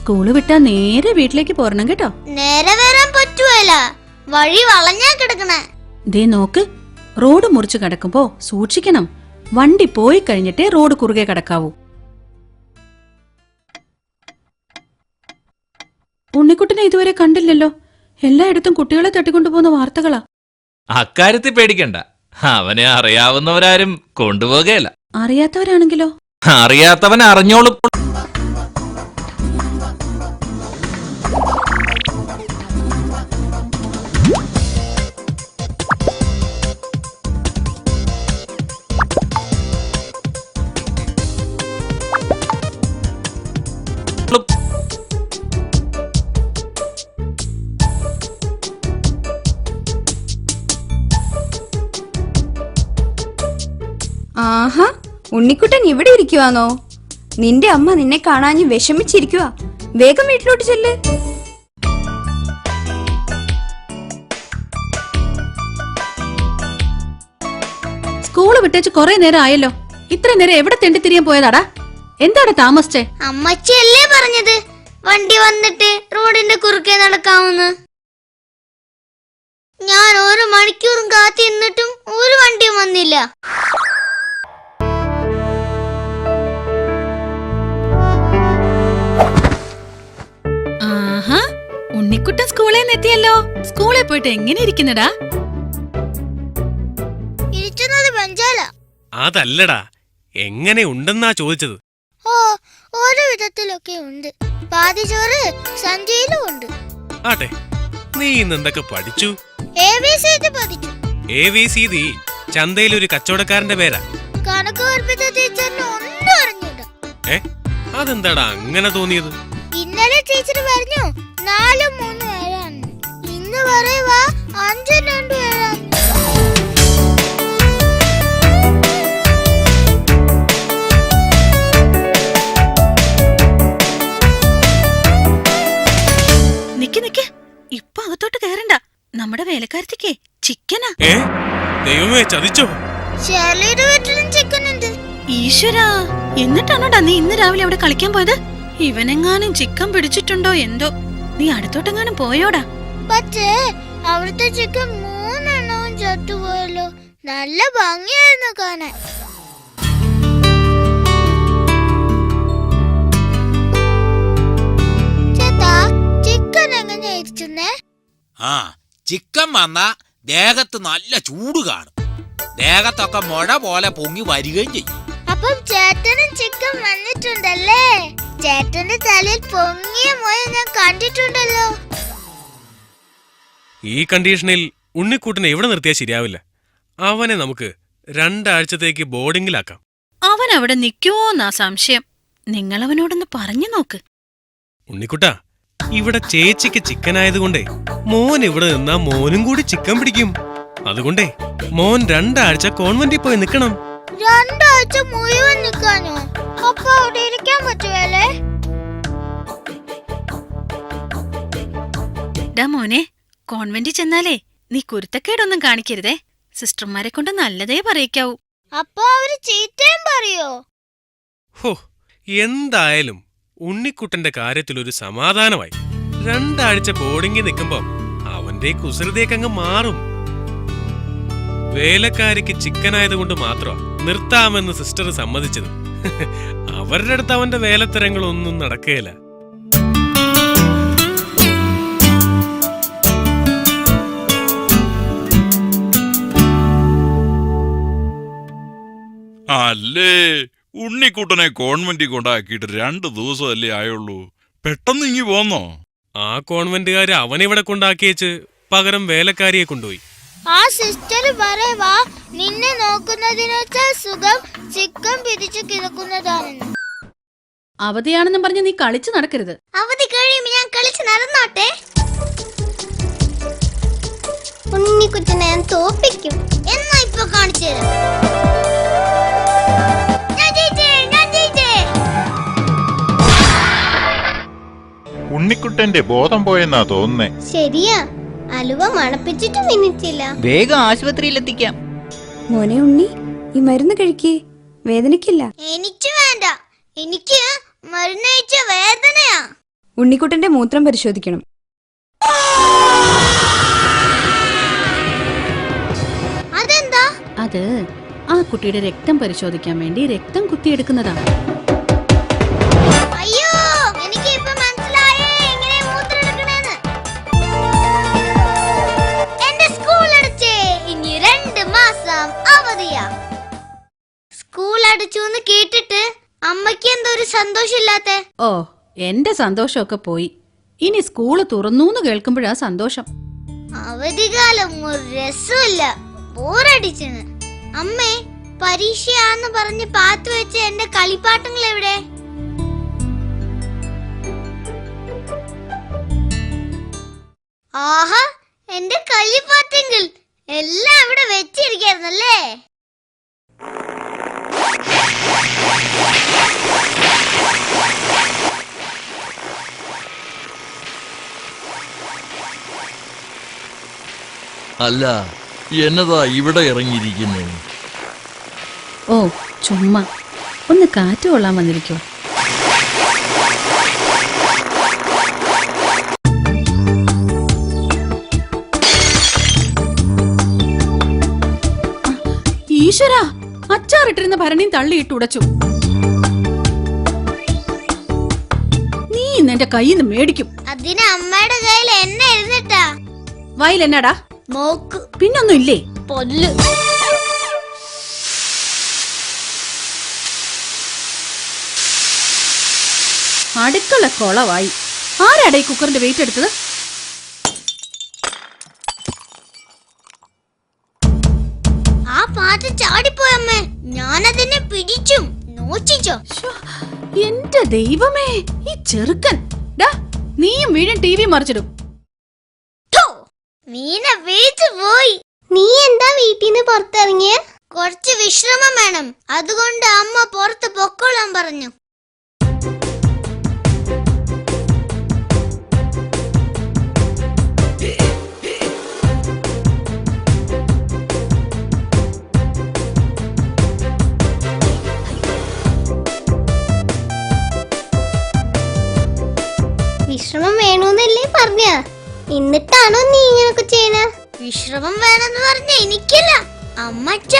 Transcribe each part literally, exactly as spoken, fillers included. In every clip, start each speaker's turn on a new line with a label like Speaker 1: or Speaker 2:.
Speaker 1: School വിട്ടാ നേരെ വീട്ടിലേക്ക് പോരണം കേട്ടോ.
Speaker 2: നേരെ വരാൻ പറ്റുവല്ല, വഴി വളഞ്ഞാ കിടക്കണേ.
Speaker 1: ദേ നോക്ക്, റോഡ് മുറിച്ച് കിടക്കുമ്പോ സൂക്ഷിക്കണം. വണ്ടി പോയി കഴിഞ്ഞിട്ടേ റോഡ് കുറുകെ കിടക്കാവൂ. ഉണ്ണിക്കുട്ടനെ ഇതുവരെ കണ്ടില്ലല്ലോ. എല്ലായിടത്തും കുട്ടികളെ തട്ടിക്കൊണ്ടുപോകുന്ന വാർത്തകളാ.
Speaker 3: അക്കാര്യത്തിൽ പേടിക്കണ്ട, അവനെ അറിയാവുന്നവരാരും കൊണ്ടുപോകുകയല്ല.
Speaker 1: അറിയാത്തവരാണെങ്കിലോ?
Speaker 3: അറിയാത്തവൻ അറിഞ്ഞോളും.
Speaker 4: ആഹാ, ഉണ്ണിക്കുട്ടൻ ഇവിടെ ഇരിക്കുവാന്നോ? നിന്റെ അമ്മ നിന്നെ കാണാഞ്ഞ് വിഷമിച്ചിരിക്കുവാ. വേഗം വീട്ടിലോട്ട് ചെല്ല്.
Speaker 1: സ്കൂള് വിട്ടേച്ച് കൊറേ നേരം ആയല്ലോ. ഇത്ര നേരം എവിടെ തെണ്ടിത്തിരിയാൻ പോയതാടാ? എന്താണ് താമസിച്ചേ?
Speaker 2: അമ്മച്ചിയല്ലേ പറഞ്ഞത് വണ്ടി വന്നിട്ട് റോഡിന്റെ കുറുക്കെ നടക്കാമെന്ന്. ഞാൻ ഒരു മണിക്കൂറും കാത്തിന്നിട്ടും ഒരു വണ്ടിയും വന്നില്ല.
Speaker 1: ആഹാ, ഉണ്ണിക്കുട്ടൻ സ്കൂളിൽ നിന്ന് എത്തിയല്ലോ. സ്കൂളിൽ പോയിട്ട് എങ്ങനെ ഇരിക്കുന്നടാ?
Speaker 2: ഇരിക്കുന്നത് ബെഞ്ചാല.
Speaker 5: അതല്ലടാ, എങ്ങനെ ഉണ്ടെന്നാ ചോദിച്ചത്.
Speaker 2: ഓ, ഓരോ വിധത്തിലൊക്കെ ഉണ്ട്. പാതി ചോറ് സഞ്ചയിലും ഉണ്ട്.
Speaker 5: ആട്ടെ, നീ ഇന്ന് എന്തൊക്കെ പഠിച്ചു?
Speaker 2: എ ബി സി ഡി പഠിച്ചു.
Speaker 5: എ വി സി ഡി ചന്തയിലൊരു കച്ചവടക്കാരന്റെ പേരാ.
Speaker 2: കണക്ക് പഠിപ്പിച്ച ടീച്ചറിന് ഒന്നും അറിഞ്ഞില്ല.
Speaker 5: ഏ, അതെന്താടാ അങ്ങനെ തോന്നിയത്?
Speaker 2: ഇന്നലെ ടീച്ചർ പറഞ്ഞു നാലും മൂന്നും ഏഴാണ്. ഇന്ന് പറയുവാ അഞ്ചും രണ്ടും ഏഴാണ്.
Speaker 1: നിക്ക് നിക്ക്, ഇപ്പൊ അകത്തോട്ട് കയറണ്ട. നമ്മുടെ വേലക്കാരത്തിക്കേ ചിക്കനാ.
Speaker 5: ഏ, ദൈവമേ, ചതിച്ചോ?
Speaker 2: ഷേർലിയുടെ വീട്ടിലും ചിക്കൻ ഉണ്ട്.
Speaker 1: ഈശ്വരാ, എന്നിട്ടാണോടാ നീ ഇന്ന് രാവിലെ അവിടെ കളിക്കാൻ പോയത്? ഇവനെങ്ങാനും ചിക്കൻ പിടിച്ചിട്ടുണ്ടോ എന്തോ. നീ അടുത്തോട്ടെങ്ങാനും പോയോടാ?
Speaker 2: പക്ഷേ അവിടുത്തെ ചിക്കൻ മൂന്നെണ്ണവും ചത്തുപോയല്ലോ. നല്ല ഭംഗിയായിരുന്നു കാണാൻ. ചേട്ടാ, ചിക്കൻ എങ്ങനെയാ ഇരിക്കുന്നേ?
Speaker 6: ആ, ചിക്കൻ വന്ന ദേഹത്ത് നല്ല ചൂട് കാണും. ദേഹത്തൊക്കെ മുഴ പോലെ പൊങ്ങി വരികയും ചെയ്യും.
Speaker 2: അപ്പം ചേട്ടനും ചിക്കൻ വന്നിട്ടുണ്ടല്ലേ? ചേട്ടന്റെ തലയിൽ പൊങ്ങിയ മുഴ ഞാൻ കണ്ടിട്ടുണ്ടല്ലോ.
Speaker 5: ഈ കണ്ടീഷനിൽ ഉണ്ണിക്കൂട്ടിനെ എവിടെ നിർത്തിയാൽ ശരിയാവില്ല. അവനെ നമുക്ക് രണ്ടാഴ്ചത്തേക്ക് ബോർഡിംഗിലാക്കാം.
Speaker 1: അവൻ അവിടെ നിൽക്കുവോന്നാ സംശയം. നിങ്ങളവനോടൊന്ന് പറഞ്ഞു നോക്ക്.
Speaker 5: ഉണ്ണിക്കുട്ടാ, ഇവിടെ ചേച്ചിക്ക് ചിക്കൻ ആയതുകൊണ്ടേ മോൻ ഇവിടെ നിന്നാ മോനും കൂടി ചിക്കൻ പിടിക്കും. അതുകൊണ്ടേ മോൻ രണ്ടാഴ്ച കോൺവെന്റിൽ പോയി നിക്കണം.
Speaker 2: രണ്ടാഴ്ച മുഴുവൻ നിൽക്കാനോ? അപ്പൊ അവിടെ ഇരിക്കാൻ പറ്റുവല്ലേ?
Speaker 1: ഡാ മോനെ, കോൺവെന്റിൽ ചെന്നാലേ നീ കുരുത്തക്കേടൊന്നും കാണിക്കരുതേ. സിസ്റ്റർമാരെ കൊണ്ട് നല്ലതേ പറയിക്കാവൂ.
Speaker 2: അപ്പൊ അവര് ചീത്തയും പറയോ?
Speaker 5: ഹോ, എന്തായാലും ഉണ്ണിക്കുട്ടന്റെ കാര്യത്തിലൊരു സമാധാനമായി. രണ്ടാഴ്ച ബോർഡിംഗിൽ നിൽക്കുമ്പോ അവന്റെ കുസൃതിയൊക്കെ അങ്ങ് മാറും. വേലക്കാരിക്ക് ചിക്കനായതുകൊണ്ട് മാത്രമാ നിർത്താമെന്ന് സിസ്റ്റർ സമ്മതിച്ചത്. അവരുടെ അടുത്ത് അവന്റെ വേലത്തരങ്ങളൊന്നും നടക്കുകയില്ല.
Speaker 7: അല്ലേ, ഉണ്ണിക്കുട്ടനെ കോൺവെന്റിൽ കൊണ്ടാക്കിയിട്ട് രണ്ടു ദിവസമല്ലേ ആയുള്ളൂ. പെട്ടെന്ന് ഇങ്ങി പോന്നോ?
Speaker 5: ആ കോൺവെന്റുകാര് അവനിവിടെ കൊണ്ടാക്കിയേച്ച് പകരം വേലക്കാരിയെ കൊണ്ടുപോയി.
Speaker 2: ആ സിസ്റ്റർ പറയുവാ നിന്നെ നോക്കുന്നതിനേക്കാൾ സുഖം ചിക്കൻ പിടിച്ചു കിടക്കുന്നതാണെന്ന്.
Speaker 1: അവധിയാണെന്നും പറഞ്ഞ് നീ കളിച്ചു നടക്കരുത്.
Speaker 2: അവധി കഴിയുമ്പോ ഞാൻ കളിച്ച് നടന്നോട്ടെ. ഉണ്ണിക്കുട്ടനെ ഞാൻ തോപ്പിക്കും. എന്നാ ഇപ്പൊ കാണിച്ചു തരാം.
Speaker 8: ഉണ്ണിക്കുട്ടന്റെ ബോധം പോയെന്നാ തോന്നുന്നേ.
Speaker 2: ശരിയാ, അലുവ മണപ്പിച്ചിട്ട് മിനിറ്റില്ല.
Speaker 9: വേഗം ആശുപത്രിയിലെത്തിക്കാം.
Speaker 4: മോനെ ഉണ്ണി, ഈ മരുന്ന് കഴിക്കേ, വേദനക്കില്ല.
Speaker 2: എനിക്ക് വേണ്ട, എനിക്ക് മരുന്ന് കഴിച്ച വേദനയാ.
Speaker 4: ഉണ്ണിക്കുട്ടന്റെ മൂത്രം പരിശോധിക്കണം.
Speaker 2: അതെന്താ?
Speaker 1: അത് ആ കുട്ടിയുടെ രക്തം പരിശോധിക്കാൻ വേണ്ടി രക്തം കുത്തിയെടുക്കുന്നതാണ്.
Speaker 2: അയ്യോ, എനിക്ക് ഇപ്പൊ മനസ്സിലായേ എങ്ങനെ മൂത്രം എടുക്കണേന്ന്. എന്റെ സ്കൂൾ അടച്ചേ, ഇനി രണ്ട് മാസം അവധിയാ. സ്കൂൾ അടച്ചു എന്ന് കേട്ടിട്ട് അമ്മയ്ക്ക് എന്തോ ഒരു സന്തോഷമില്ലാത്തെ.
Speaker 1: ഓ, എന്റെ സന്തോഷമൊക്കെ പോയി. ഇനി സ്കൂള് തുറന്നു കേൾക്കുമ്പോഴാ സന്തോഷം.
Speaker 2: അവധികാലം ഒരു രസമില്ല, ബോറടിച്ചെന്ന്. അമ്മേ, പരീക്ഷയാന്ന് പറഞ്ഞ് പാത്തു വെച്ച എന്റെ കളിപ്പാട്ടങ്ങൾ എവിടെ? ആഹാ, എന്റെ കളിപ്പാട്ടങ്ങൾ എല്ലാം ഇവിടെ വെച്ചിരിക്കായിരുന്നല്ലേ.
Speaker 3: അല്ല, എന്നതാ ഇവിടെ ഇറങ്ങിയിരിക്കുന്നു?
Speaker 1: ഓ, ചുമ്മാ ഒന്ന് കാറ്റ് കൊള്ളാൻ വന്നിരിക്കോ. ഈശ്വരാ, അച്ചാറിട്ടിരുന്ന ഭരണിയും തള്ളിയിട്ട് ഉടച്ചു. നീ ഇന്ന് എന്റെ കയ്യിൽ നിന്ന് മേടിക്കും.
Speaker 2: അതിന് അമ്മയുടെ കയ്യിൽ എണ്ണ ഇരുന്നിട്ടാ.
Speaker 1: വയൽ എന്നാടാ?
Speaker 2: മോക്ക്
Speaker 1: പിന്നൊന്നും ഇല്ലേ?
Speaker 2: പൊല്ല്.
Speaker 1: അടുക്കള കൊളവായി. ആരാടാ ഈ കുക്കറിന്റെ വെയിറ്റ് എടുത്തത്?
Speaker 2: ആ പാത്രം ചാടിപ്പോയമ്മേ, ഞാനതിനെ പിടിച്ചും നോച്ചിച്ചോ.
Speaker 1: ശ്ശോ, എന്റെ ദൈവമേ, ഈ ചെറുക്കൻ. ഡാ, നീയും വീഴും ടി വി മറിച്ചിടും.
Speaker 2: മീന വീഴ്ച പോയി. നീ എന്താ വീട്ടിൽ നിന്ന് പുറത്തിറങ്ങിയ? കുറച്ച് വിശ്രമം വേണം, അതുകൊണ്ട് അമ്മ പുറത്ത് പൊക്കോളാൻ പറഞ്ഞു. വിശ്രമം വേണമെന്നല്ലേ പറഞ്ഞ? എന്നിട്ടാണോ നീ ഇങ്ങനൊക്കെ ചെയ്യണ? വിശ്രമം വേണമെന്ന് പറഞ്ഞ എനിക്കല്ല, അമ്മച്ചാ.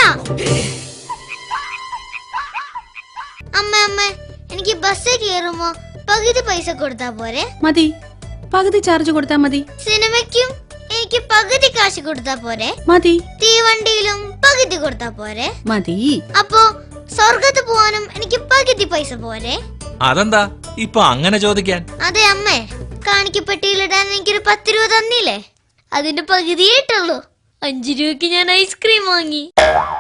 Speaker 2: അമ്മ അമ്മ, എനിക്ക് ബസ്സിൽ കയറുമ്പോ പകുതി പൈസ കൊടുത്താ പോരെ?
Speaker 1: മതി, പകുതി ചാർജ് കൊടുത്താ മതി.
Speaker 2: സിനിമയ്ക്കും എനിക്ക് പകുതി കാശ് കൊടുത്താ പോരെ?
Speaker 1: മതി.
Speaker 2: തീവണ്ടിയിലും പകുതി കൊടുത്താ പോരെ?
Speaker 1: മതി.
Speaker 2: അപ്പോ സ്വർഗത്ത് പോവാനും എനിക്ക് പകുതി പൈസ പോരെ?
Speaker 3: അതെന്താ ഇപ്പൊ അങ്ങനെ ചോദിക്കാൻ?
Speaker 2: അതെ അമ്മേ, കാണിക്കപ്പെട്ടിയിലിടാൻ എനിക്കൊരു പത്ത് രൂപ തന്നില്ലേ, അതിന്റെ പകുതിയായിട്ടുള്ളൂ. അഞ്ചു രൂപയ്ക്ക് ഞാൻ ഐസ്ക്രീം വാങ്ങി.